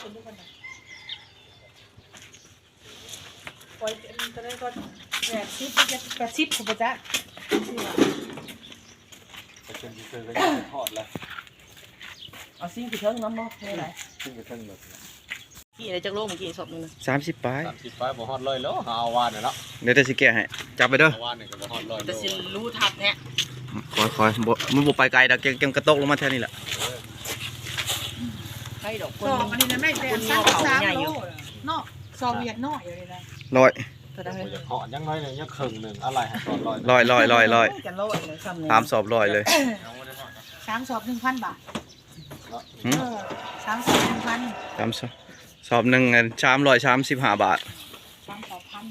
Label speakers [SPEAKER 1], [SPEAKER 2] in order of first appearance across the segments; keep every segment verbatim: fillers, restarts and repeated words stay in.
[SPEAKER 1] คนทุกคนนะปล่อยก็ได้ก็แปดสิบแปดสิบผมจะ
[SPEAKER 2] ไปจนที่เคยก็จะทอดแล้ว
[SPEAKER 1] เอาซิ่งกี่เทิงน้ำบ่ไม่ไร
[SPEAKER 2] ซึ่งกระทั่งแบบ
[SPEAKER 1] กี่อะไรจากโลกเมื่อกี้สอบนึงนะ
[SPEAKER 3] สามสิบปลาย
[SPEAKER 2] สามสิบปลายบ่ฮอดร้อยแล้วเอาวานเนี่ยแล้ว
[SPEAKER 3] เดี๋ยวจะสิแกะให้จับไปเด้อ
[SPEAKER 2] เอาวานเนี่ยก็บ่ฮอดร้อย
[SPEAKER 1] แต่สิรู้ทับแท้
[SPEAKER 3] คอยคอยบ่มันบ่ไปไกลดอกเกมกระตกลงมาแค่นี้แหละ
[SPEAKER 1] ใช่ดอกค
[SPEAKER 4] สอน บอันนี้นะแม่แต่สามสามโลเนาะสอบเวียดน้อยอยู่เลยนะ
[SPEAKER 3] ร้อย
[SPEAKER 1] ก็ได้
[SPEAKER 2] จะเหาะยังน้อยเนี่ยยังครึ่งหนึ่งอะไรให้ตอนร้อย
[SPEAKER 3] ร้อยร้อยร้อยร้อย
[SPEAKER 1] กันโลดเลยซ้ำเลย
[SPEAKER 3] สามสอบร้อยเลย
[SPEAKER 4] สามสอบหนึ่งพันบาท
[SPEAKER 3] หืม
[SPEAKER 4] เออสามสอบหนึ่งพัน
[SPEAKER 3] สามสอบสอบหนึ่งอันชามร้อยชามสิบห้าบาท
[SPEAKER 4] สามสอบพัน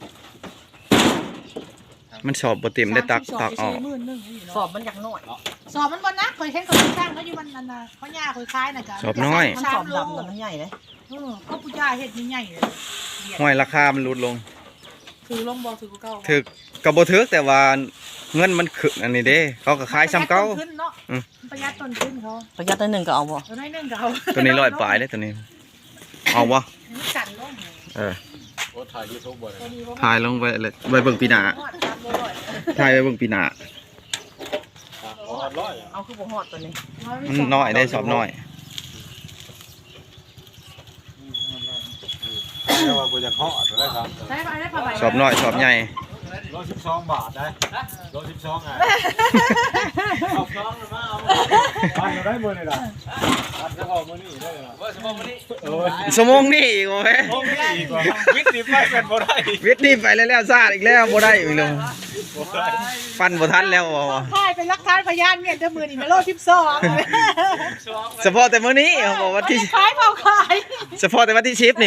[SPEAKER 3] มันสอบบ่เต็มได้ตักตักออก
[SPEAKER 4] หมื่นหนึ่ง
[SPEAKER 1] สอบมันอยากน้อย
[SPEAKER 4] สอบมันวันนะเคยเห็นเขาสร้างแล้วอยู่มันนั่นนะเขาย่าเคยคล้ายนะจ๊ะ
[SPEAKER 3] สอบน้อย
[SPEAKER 1] มันสอบดำแต่มันใหญ่เลย
[SPEAKER 4] เออเขาปุย่าเห็ดใหญ่เลย
[SPEAKER 3] ห้อยราคามันลดลง
[SPEAKER 4] ถือลงบอถือกูเก่า
[SPEAKER 3] ถึกก็บ่ถึกแต่ว่าเงินมันขึ้นอันนี้เด้เขาก็ขายซ้ำเก่า
[SPEAKER 4] ขึ้นเนาะประหยัดต้นทุนเขา
[SPEAKER 1] ประหยัดตัวหนึ่งก็เอาบ่
[SPEAKER 4] ตัวน้อยนึงเขา
[SPEAKER 3] ตัวนี้ร้อยปลายเด้ตัวนี้เอาบ่
[SPEAKER 4] นี่สั่นลง
[SPEAKER 3] เออ
[SPEAKER 2] โอ้ถ่ายยูทูบบ่
[SPEAKER 4] ตัว
[SPEAKER 2] เนี่ย
[SPEAKER 4] นี้ว่า
[SPEAKER 3] ถ่ายลงไปเลยไว้เบิ่งปีหน้า
[SPEAKER 4] สามโลร้อย
[SPEAKER 3] ถ่ายไว้เบิ่งปีหน้า
[SPEAKER 2] บ่ฮอดร้อย
[SPEAKER 1] เอาคือบ่ฮอดตัวนี้
[SPEAKER 3] มันน้อยได้สอบน้อย
[SPEAKER 2] แต่ว่าบ่อยากเหาะตัวได้ครับ
[SPEAKER 4] ใช่ป่ะได้ป่ะใบ
[SPEAKER 3] สอบน้อยสอบใหญ่
[SPEAKER 2] ร้อยสิบสองบาทได้ร้อยสิบสองไงเอาสองมาเอาบ้านเราได้มื้อนี่ล่ะบ้านเฉพาะมื้อนี้ได้ล่ะว่าเฉพาะมื้อนี้เออ
[SPEAKER 3] สมงนี่อีกโอ้ย
[SPEAKER 2] โอ้ยอีกว่าวิทย์นี่ไปเป็นบ่ได้
[SPEAKER 3] วิทย์นี่ไปแล้วแล้วซาดอีกแล้วบ่ได้อีกแล้วฟันบ่ทันแล้วบ่
[SPEAKER 4] ค่ายเป็นรักฐานพยานเมียนเจ้ามือนี่มาโลสิบสอง
[SPEAKER 3] เฉพาะแต่มื้อนี้เขาบอกว่าที่
[SPEAKER 4] ขายเผาขาย
[SPEAKER 3] เฉพาะแต่วันที่สิบนี่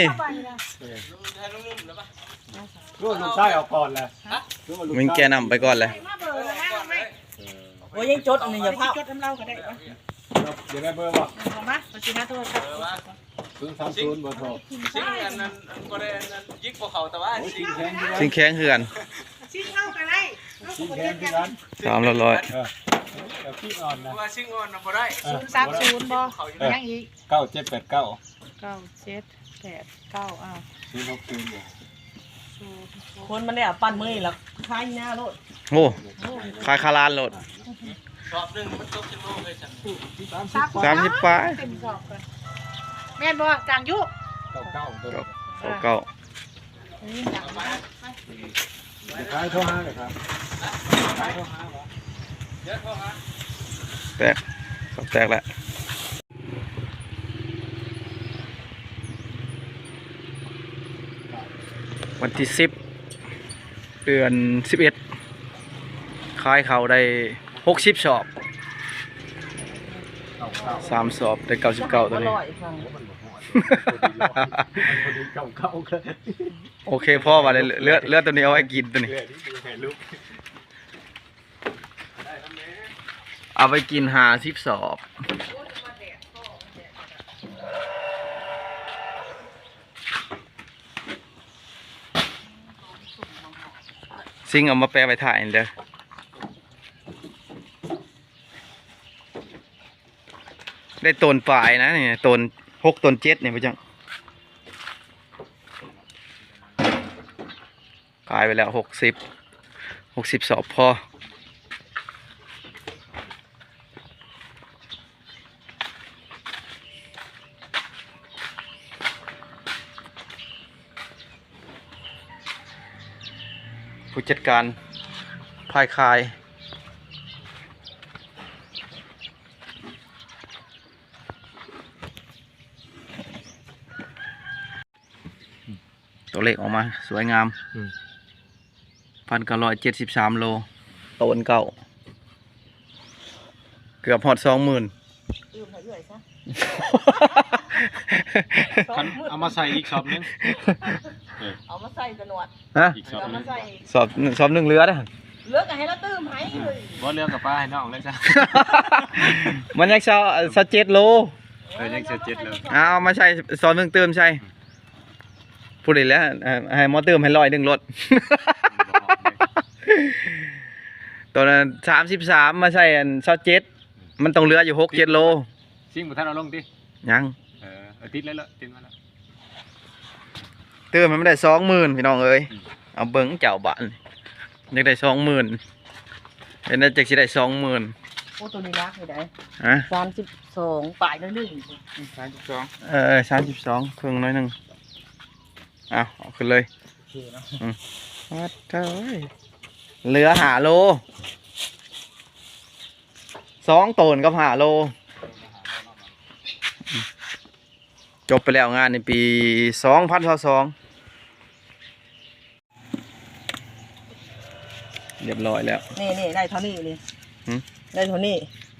[SPEAKER 2] รู้ลูกชายเอาก่อนแหละ
[SPEAKER 3] มึงแกนำไปก่อนเลย
[SPEAKER 4] มาเบอร์เลยนะแม่
[SPEAKER 1] โอ้ยยังจดอันนี้อย่าพลาด
[SPEAKER 4] จดทำเล่าก็ได้ปะ
[SPEAKER 2] เดี๋ยวได้เบอร์บ่
[SPEAKER 4] เอามาปัจจุบันโทรศัพท์
[SPEAKER 2] ศูนย์สามศูนย์เบอร์โทร
[SPEAKER 5] ซิงอันนั้นอันบ่ได้อันนั้นยิกพวกเขาแต่ว่าซิง
[SPEAKER 2] แข็งที่
[SPEAKER 3] สิงแข้งเหือน
[SPEAKER 4] ชิ้นเข้ากันได้
[SPEAKER 2] ชิ้นแข็งที่นั้น
[SPEAKER 3] สามร้อย
[SPEAKER 2] เออเดี๋ยวพี่อ่อนนะ
[SPEAKER 5] ว่าซิงอ่อนน่ะบ่ได้
[SPEAKER 4] ศูนย์สามศูนย์บอยังอีก
[SPEAKER 2] เก้าเจ็ดแปดเก้า
[SPEAKER 4] เก้าเจ็ดแปดเก้าอ้าว
[SPEAKER 2] ศูนย์หกศูนย์
[SPEAKER 4] ศูนย์
[SPEAKER 1] คนมันได้อ่ะปั้นมือแล้วคล้ายหน้าโลด
[SPEAKER 3] โอ้คายคาลานโหลด
[SPEAKER 5] สอบหนึงมันตกสิบโลเลยฉัน
[SPEAKER 3] สามสิบปลาย
[SPEAKER 4] เต็มสอบกันแม่นบอจางยุ
[SPEAKER 2] เก้าเก้าตัว
[SPEAKER 3] เก้าเก้า
[SPEAKER 4] นี่จางมา
[SPEAKER 2] เดี๋ยวขายโทรหาเลยครับขายโทรหาเหรอ
[SPEAKER 5] เดี๋ยวโทรหา
[SPEAKER 3] แตกสอบแตกแล้ววันที่สิบเดือนสิบเอ็ดขายเขาได้หกสิบสอบ
[SPEAKER 2] เก้าเก้า
[SPEAKER 3] สามสอบได้เก้าสิบเก้าตัวนี้
[SPEAKER 1] อร่อยฟัง
[SPEAKER 2] มันหมดหัวมันพอดีเก้าเก้าเลย
[SPEAKER 3] โอเคพ่อมาเลยเลือดเลือดตัวนี้เอาไว้กินตัวนี้
[SPEAKER 2] เรื่อยนี่ดูให้ลูก
[SPEAKER 3] เอาไปกินหาสิบสอบซิงเอามาแปลไปถ่ายเด้อได้ตนปลายนะนี่ตนหกตนเจ็ดเนี่ยพี่จังกลายไปแล้วหกสิบหกสิบสอบพอผู้จัดการพายคายตัวเลขออกมาสวยงามพันเก้าร้อยเจ็ดสิบสามโลโตนเก่าเกือบหอดสองหมื่น
[SPEAKER 1] ลืมให้เอื่อยซะ
[SPEAKER 2] เอามาใส่อีกช็อปนึง
[SPEAKER 1] เอามาใส่กระหนวด
[SPEAKER 3] ฮะ
[SPEAKER 2] อีกช็อป
[SPEAKER 1] เอา
[SPEAKER 2] นึ
[SPEAKER 1] มางใส่
[SPEAKER 3] สอบสอบหนึ่งเรือได้
[SPEAKER 1] เลือกให้เราตื้มให้เลย
[SPEAKER 2] บ่เรื่องกับป้าให้น้องเลยจ้ะ
[SPEAKER 3] มันยังเช้าสเจ็ดโล
[SPEAKER 2] เออยังเจ็ดเจ็ดเลย
[SPEAKER 3] เอามาใช้สอบหนึ่งเติมใช่พูดอีกแล้วให้หมอเติมให้ร้อยหนึ่งรถ ตอนนั้นสามสิบสามมาใช่อันซอเจ็ดมันต้องเหลืออยู่หกเจ็ดโล
[SPEAKER 2] ซิ่งบุท่านเอาลงดิ
[SPEAKER 3] ยัง
[SPEAKER 2] เออเอติดแล้วละติดมาแล้ว
[SPEAKER 3] เติมมันไม่ได้สองหมื่นพี่น้องเอ้ยเอาเบิ้งเจ้าบ้านอยากได้สองหมื่นเป็นได้จากสิได้สองหมื่น
[SPEAKER 4] โอ้ตัวนี้รักเลยได้
[SPEAKER 3] ฮะ
[SPEAKER 4] สามสิบสองป่ายน้อยหนึ่ง
[SPEAKER 2] สามสิบสอง
[SPEAKER 3] เออสามสิบสองครึ่งน้อยหนึ่งเอาเอาขึ้นเลย
[SPEAKER 2] โอเคเนาะ
[SPEAKER 3] วัดเจ้ยเหลือหาโลสองตนกับหาโล จบไปแล้วงานในปีสองพันสองเรียบร้อยแล้ว
[SPEAKER 4] นี่นี่ได้เท่านี้นี่
[SPEAKER 3] หืม
[SPEAKER 4] ได้เท่านี้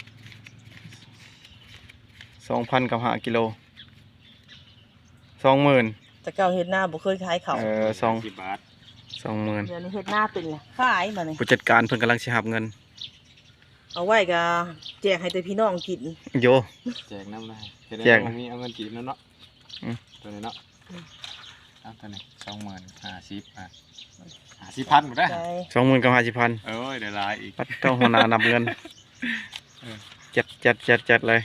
[SPEAKER 3] สองพันกับหากิโลสองหมื่น
[SPEAKER 4] แต่เก่าเฮ็ดหน้าบ่เคยขายเขา
[SPEAKER 3] เออสอง
[SPEAKER 2] สิบบาท
[SPEAKER 3] สองหมื่น
[SPEAKER 4] เดี๋ยวนี้เฮ็ดหน้าเป็นเลยขายมาเนี่ย
[SPEAKER 3] ผู้จัดการเพิ่นกำลังสิหับเงิน
[SPEAKER 4] เอาไว้ก็แจกให้แต่พี่น้องกิน
[SPEAKER 3] โย
[SPEAKER 2] แจกน้ำได้
[SPEAKER 3] แจก
[SPEAKER 2] มีเอาเงินจีบนั่นเนาะ
[SPEAKER 3] อืม
[SPEAKER 2] ตัวนี้เนาะเอาตัวนี้สองหมื่นห้าสิบอ่ะห้าสิบพันหมดได้
[SPEAKER 4] ได้
[SPEAKER 3] สองหมื่นกับห้าสิบพัน
[SPEAKER 2] เอ้ยเดี๋ยวลายอีก
[SPEAKER 3] ปัดเจ้าหัวหน้านับเงินจัดจัดจัดจัดเลย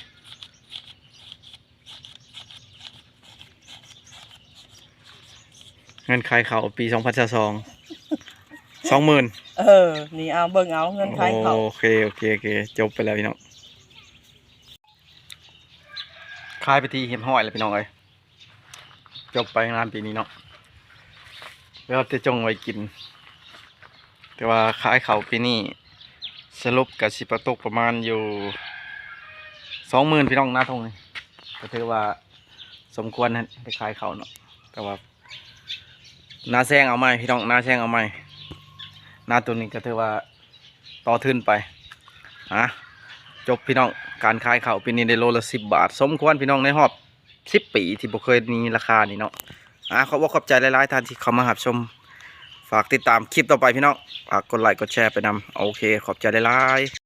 [SPEAKER 3] เงินขายเขาวปีสองพันสองสองหมื่น
[SPEAKER 4] เออนี่เอาเบิ่งเอาเงินขายเขา
[SPEAKER 3] โอเคโอเคโอเคจบไปแล้วพี่น้องขายไปทีเห็บห้อยแล้วพี่น้องเอ้ยจบไปงานปีนี้เนาะแล้วจะจงไว้กิน แต่ว่าขายเขาวปีนี้สรุปกับสิประตกประมาณอยู่สองหมื่นพี่น้องหน้าทงนี่ก็ถือว่าสมควรนะไปขายเขาวเนาะแต่ว่าหน้าแซงเอาไหมพี่น้องหน้าแซงเอาไหมหน้าตัวนี้ก็ถือว่าต่อทุนไปอ่ะจบพี่น้องการขายเขาวปีนี้ได้โลละสิบบาท สมควรพี่น้องในรอบสิบปีที่บ่เคยมีราคานี่เนาะอ่ะขอบคุณขอบใจหลายๆท่านที่เข้ามารับชมฝากติดตามคลิปต่อไปพี่น้องฝากกดไลค์กดแชร์ไปนำโอเคขอบใจหลายๆ